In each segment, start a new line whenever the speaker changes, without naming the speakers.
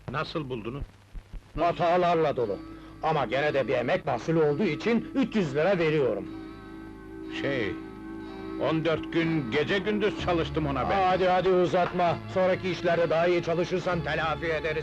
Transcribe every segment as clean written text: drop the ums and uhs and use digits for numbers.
Nasıl buldunuz?
Hatalarla dolu. Ama gene de bir emek mahsulü olduğu için 300 lira veriyorum.
14 gün gece gündüz çalıştım ona ben.
Hadi hadi uzatma. Sonraki işlerde daha iyi çalışırsan telafi ederiz.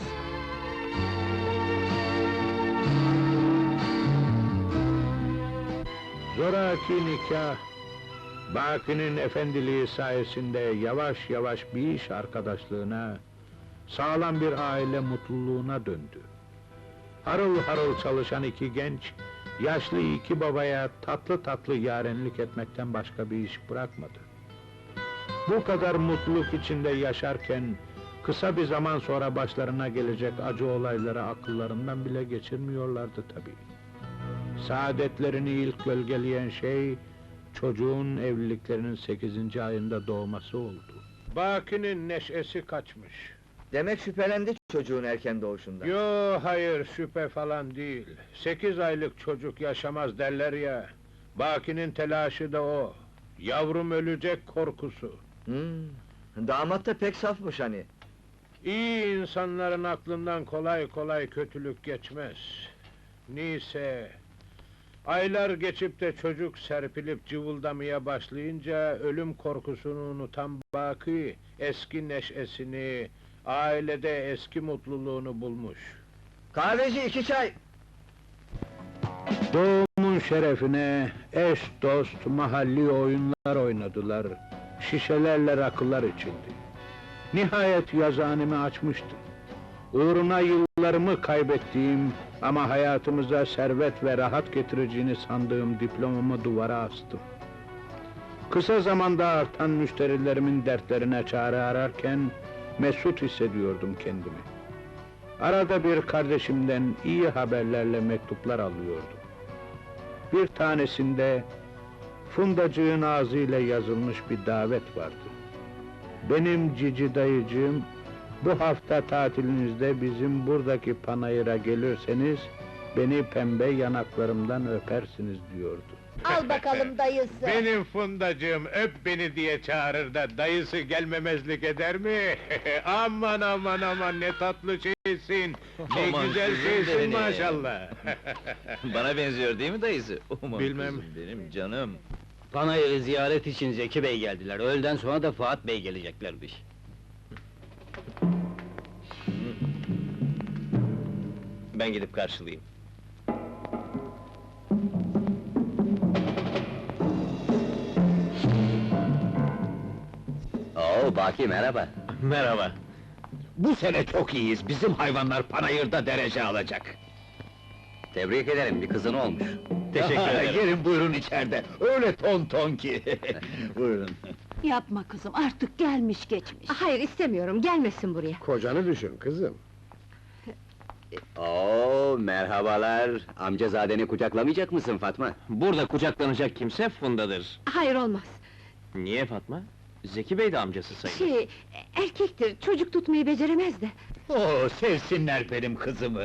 Zoraki nikah, Baki'nin efendiliği sayesinde yavaş yavaş bir iş arkadaşlığına, sağlam bir aile mutluluğuna döndü. Harıl harıl çalışan iki genç, yaşlı iki babaya tatlı tatlı yarenlik etmekten başka bir iş bırakmadı. Bu kadar mutluluk içinde yaşarken, kısa bir zaman sonra başlarına gelecek acı olayları akıllarından bile geçirmiyorlardı tabii. Saadetlerini ilk gölgeleyen şey, çocuğun evliliklerinin 8. ayında doğması oldu. Baki'nin neşesi kaçmış.
Demek şüphelendi çocuğun erken doğuşundan.
Yo, hayır, şüphe falan değil. 8 aylık çocuk yaşamaz derler ya. Baki'nin telaşı da o. Yavrum ölecek korkusu.
Damat da pek safmış hani.
İyi insanların aklından kolay kolay kötülük geçmez. Neyse... Aylar geçip de çocuk serpilip cıvıldamaya başlayınca ölüm korkusunu unutan Baki eski neşesini, ailede eski mutluluğunu bulmuş.
Kahveci 2 çay!
Doğumun şerefine eş dost mahalli oyunlar oynadılar. Şişelerle rakılar içildi. Nihayet yazıhanemi açmıştım. Uğruna yıllarımı kaybettiğim ama hayatımıza servet ve rahat getireceğini sandığım diplomamı duvara astım. Kısa zamanda artan müşterilerimin dertlerine çare ararken mesut hissediyordum kendimi. Arada bir kardeşimden iyi haberlerle mektuplar alıyordum. Bir tanesinde Fundacığın ağzıyla yazılmış bir davet vardı. Benim cici dayıcığım, bu hafta tatilinizde bizim buradaki panayıra gelirseniz, beni pembe yanaklarımdan öpersiniz diyordu.
Al bakalım dayısı!
Benim Fundacığım öp beni diye çağırır da dayısı gelmemezlik eder mi? Aman aman aman ne tatlı şeysin! Ne
Aman
güzel
kızım
şeysin
benim.
maşallah!
Bana benziyor değil mi dayısı? Aman
Bilmem.
kızım benim canım.
Panayır'ı ziyaret için Zeki Bey geldiler. Öğleden sonra da Fuat Bey geleceklermiş.
Ben gidip karşılayayım. Oo, Baki merhaba.
Merhaba.
Bu sene çok iyiyiz. Bizim hayvanlar panayırda derece alacak.
Tebrik ederim, bir kızın olmuş.
Teşekkür ederim.
Gelin buyurun içeride. Öyle ton ton ki. Buyurun.
Yapma kızım, artık gelmiş geçmiş. Hayır, istemiyorum, gelmesin buraya.
Kocanı düşün kızım.
Oo, merhabalar. Amcazadeni kucaklamayacak mısın Fatma?
Burada kucaklanacak kimse Funda'dır.
Hayır, olmaz.
Niye Fatma? Zeki Bey de amcası sayılır.
Erkektir, çocuk tutmayı beceremez de.
Oo, sevsinler benim kızımı.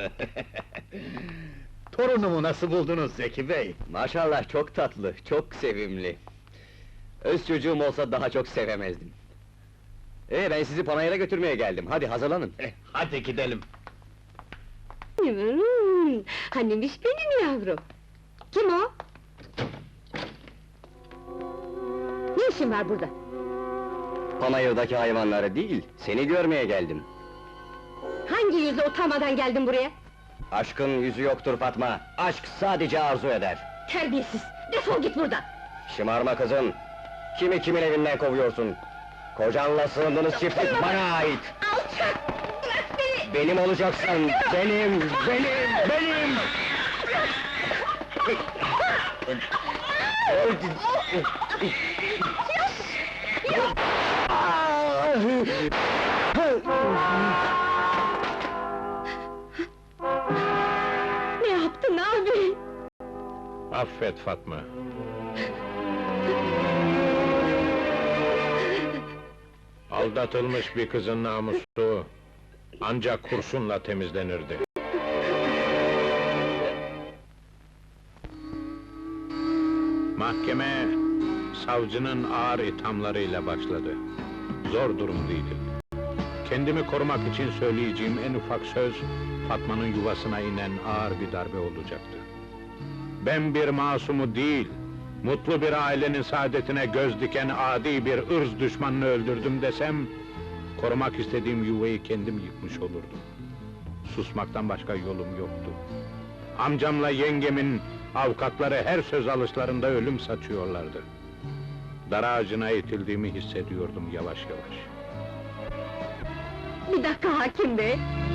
Torunumu nasıl buldunuz Zeki Bey?
Maşallah, çok tatlı, çok sevimli. Öz çocuğum olsa daha çok sevemezdim. Ben sizi panayıra götürmeye geldim, hadi hazırlanın.
Hadi gidelim.
Hanimiş benim yavrum. Kim o? Ne işin var burada?
Panayırdaki hayvanları değil, seni görmeye geldim.
Hangi yüzle utanmadan geldin buraya?
Aşkın yüzü yoktur Fatma, aşk sadece arzu eder.
Terbiyesiz! Defol git buradan!
Şımarma kızım, kimi kimin evinden kovuyorsun? Kocanla sığındığınız çiftlik bana ait!
Alçak! Bırak beni!
Benim olacaksın, benim!
Ne yaptın abi?
Affet Fatma. Aldatılmış bir kızın namusu ancak kurşunla temizlenirdi. Mahkeme savcının ağır ithamlarıyla başladı. Zor durumdaydı. Kendimi korumak için söyleyeceğim en ufak söz, Fatma'nın yuvasına inen ağır bir darbe olacaktı. Ben bir masumu değil, mutlu bir ailenin saadetine göz diken adi bir ırz düşmanını öldürdüm desem, korumak istediğim yuvayı kendim yıkmış olurdum. Susmaktan başka yolum yoktu. Amcamla yengemin avukatları her söz alışlarında ölüm saçıyorlardı. Dar ağacına itildiğimi hissediyordum yavaş yavaş.
Bir dakika hakim bey!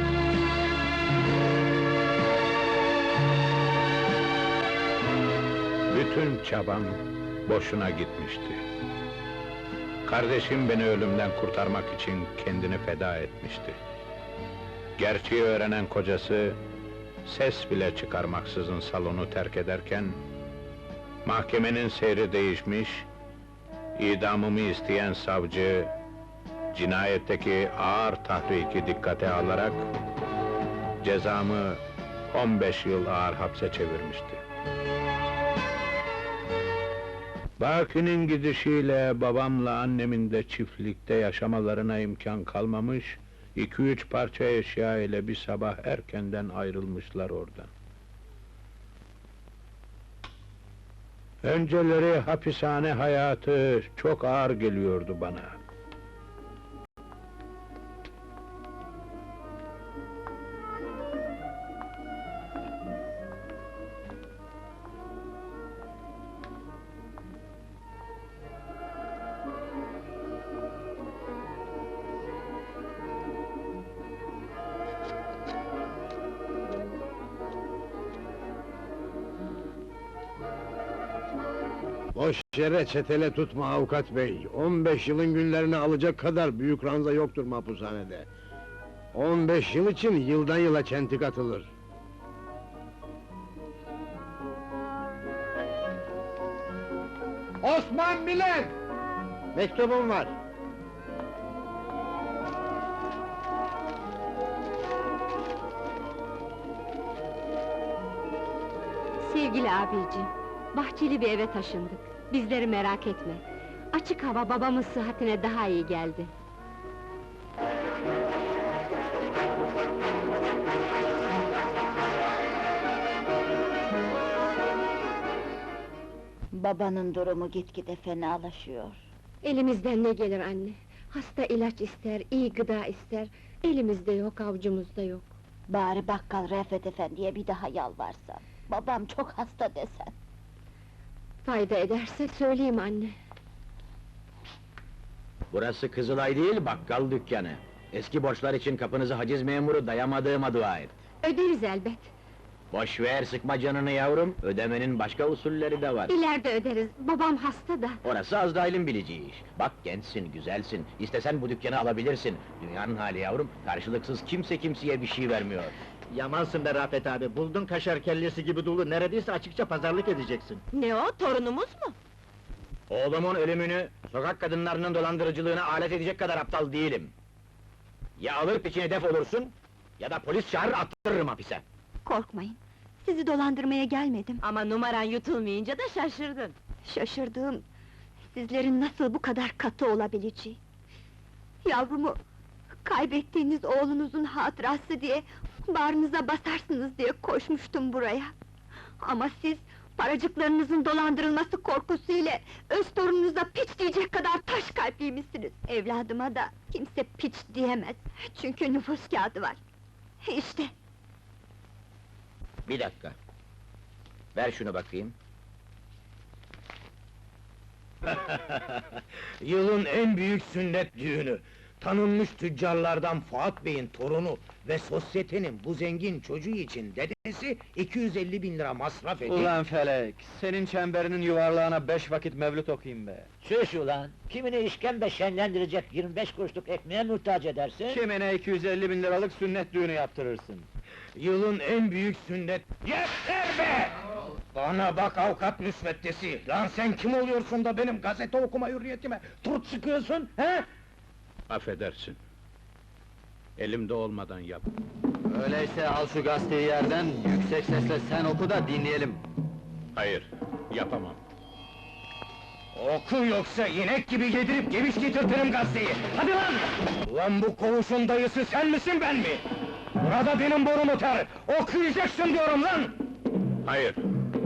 Bütün çabam boşuna gitmişti. Kardeşim beni ölümden kurtarmak için kendini feda etmişti. Gerçeği öğrenen kocası, ses bile çıkarmaksızın salonu terk ederken, mahkemenin seyri değişmiş, idamımı isteyen savcı, cinayetteki ağır tahriki dikkate alarak, cezamı 15 yıl ağır hapse çevirmişti. Baki'nin gidişiyle babamla annemin de çiftlikte yaşamalarına imkan kalmamış, 2-3 parça eşya ile bir sabah erkenden ayrılmışlar oradan. Önceleri hapishane hayatı çok ağır geliyordu bana.
Boş yere çetele tutma avukat bey. 15 yılın günlerini alacak kadar büyük ranza yoktur mahpushanede. 15 yıl için yıldan yıla çentik atılır.
Osman Bilen!
Mektubum var.
Sevgili abiciğim, bahçeli bir eve taşındık. Bizleri merak etme. Açık hava babamın sıhhatine daha iyi geldi.
Babanın durumu gitgide fenalaşıyor.
Elimizden ne gelir anne? Hasta ilaç ister, iyi gıda ister. Elimizde yok, avucumuzda yok.
Bari bakkal Refet Efendi'ye bir daha yalvarsan. Babam çok hasta desen.
Fayda ederse söyleyeyim anne.
Burası Kızılay değil, bakkal dükkanı. Eski borçlar için kapınızı haciz memuru dayamadığıma dua et.
Öderiz elbet.
Boş ver, sıkma canını yavrum, ödemenin başka usulleri de var.
İleride öderiz, babam hasta da.
Orası Azrail'in bileceği iş. Bak gençsin, güzelsin, istesen bu dükkanı alabilirsin. Dünyanın hali yavrum, karşılıksız kimse kimseye bir şey vermiyor.
Yamansın be Rafet abi, buldun kaşar kellesi gibi dolu, neredeyse açıkça pazarlık edeceksin.
Ne o, torunumuz mu?
Oğlumun ölümünü, sokak kadınlarının dolandırıcılığına alet edecek kadar aptal değilim. Ya alır peşine def olursun, ya da polis çağırır attırırım hapise.
Korkmayın, sizi dolandırmaya gelmedim.
Ama numaran yutulmayınca da şaşırdın.
Şaşırdığım, sizlerin nasıl bu kadar katı olabileceği. Yavrumu, kaybettiğiniz oğlunuzun hatırası diye, bağrınıza basarsınız diye koşmuştum buraya. Ama siz, paracıklarınızın dolandırılması korkusuyla, öz torununuza piç diyecek kadar taş kalpliymişsiniz. Evladıma da kimse piç diyemez, çünkü nüfus kağıdı var. İşte,
Bir dakika. Ver şunu bakayım.
Yılın en büyük sünnet düğünü. Tanınmış tüccarlardan Fuat Bey'in torunu ve sosyetenin bu zengin çocuğu için dedesi 250.000 lira masraf edip...
Ulan Felek, senin çemberinin yuvarlağına 5 vakit mevlüt okuyayım be!
Şuş ulan! Kimini işkembe şenlendirecek 25 kuruşluk ekmeğe muhtaç edersin?
Kimine 250.000 liralık sünnet düğünü yaptırırsın.
Yılın en büyük sünnet... Yeter be! Bana bak avukat müsveddesi! Lan sen kim oluyorsun da benim gazete okuma hürriyetime turt sıkıyorsun, he?
Affedersin. Elimde olmadan yap.
Öyleyse al şu gazeteyi yerden, yüksek sesle sen oku da dinleyelim.
Hayır, yapamam.
Oku yoksa inek gibi yedirip geviş getirtirim gazeteyi! Hadi lan! Ulan bu koğuşun dayısı sen misin ben mi? Burada benim borum öter! Okuyacaksın diyorum lan!
Hayır,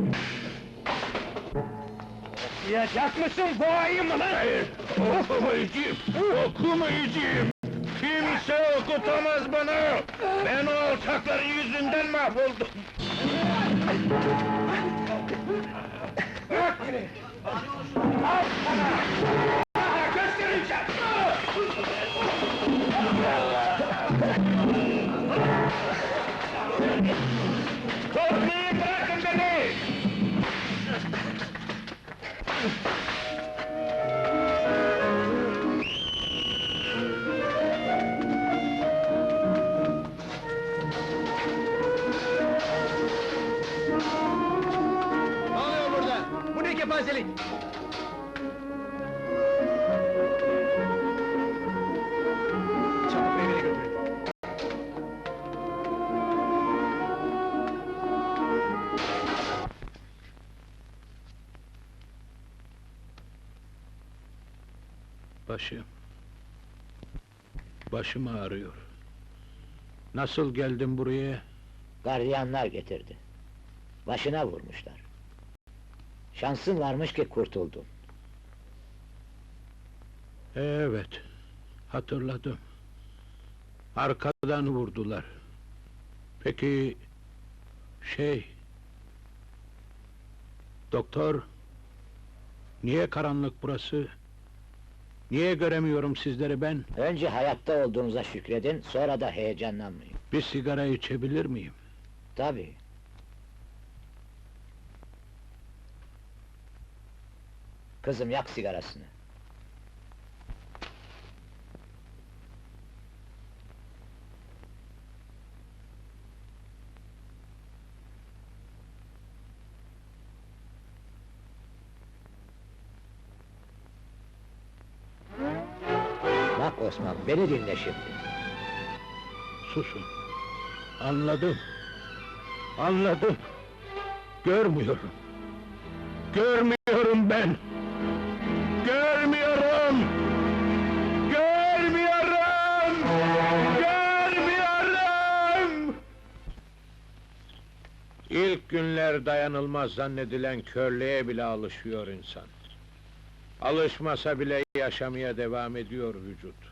Okuyacak mısın, boğayım mı lan?
hayır! Okumayacağım! Okumayacağım! Kimse okutamaz bana! Ben o alçakların yüzünden mahvoldum!
Bırak beni! Al sana! Sana göstereceğim!
Toplayın, bırakın beni!
Ne oluyor burada? Bu ne kepazelik? Çabuk evine götürün.
Başım ağrıyor. Nasıl geldim buraya?
Gardiyanlar getirdi. Başına vurmuşlar. Şansın varmış ki kurtuldun.
Evet, hatırladım. Arkadan vurdular. Peki, doktor, niye karanlık burası? Niye göremiyorum sizleri ben?
Önce hayatta olduğunuza şükredin, sonra da heyecanlanmayın.
Bir sigara içebilir miyim?
Tabii. Kızım yak sigarasını. Bak Osman, beni dinle şimdi.
Susun. Anladım. Anladım. Görmüyorum. Görmüyorum ben. Görmüyorum. Görmüyorum. Görmüyorum. İlk günler dayanılmaz zannedilen körlüğe bile alışıyor insan. Alışmasa bile yaşamaya devam ediyor vücut.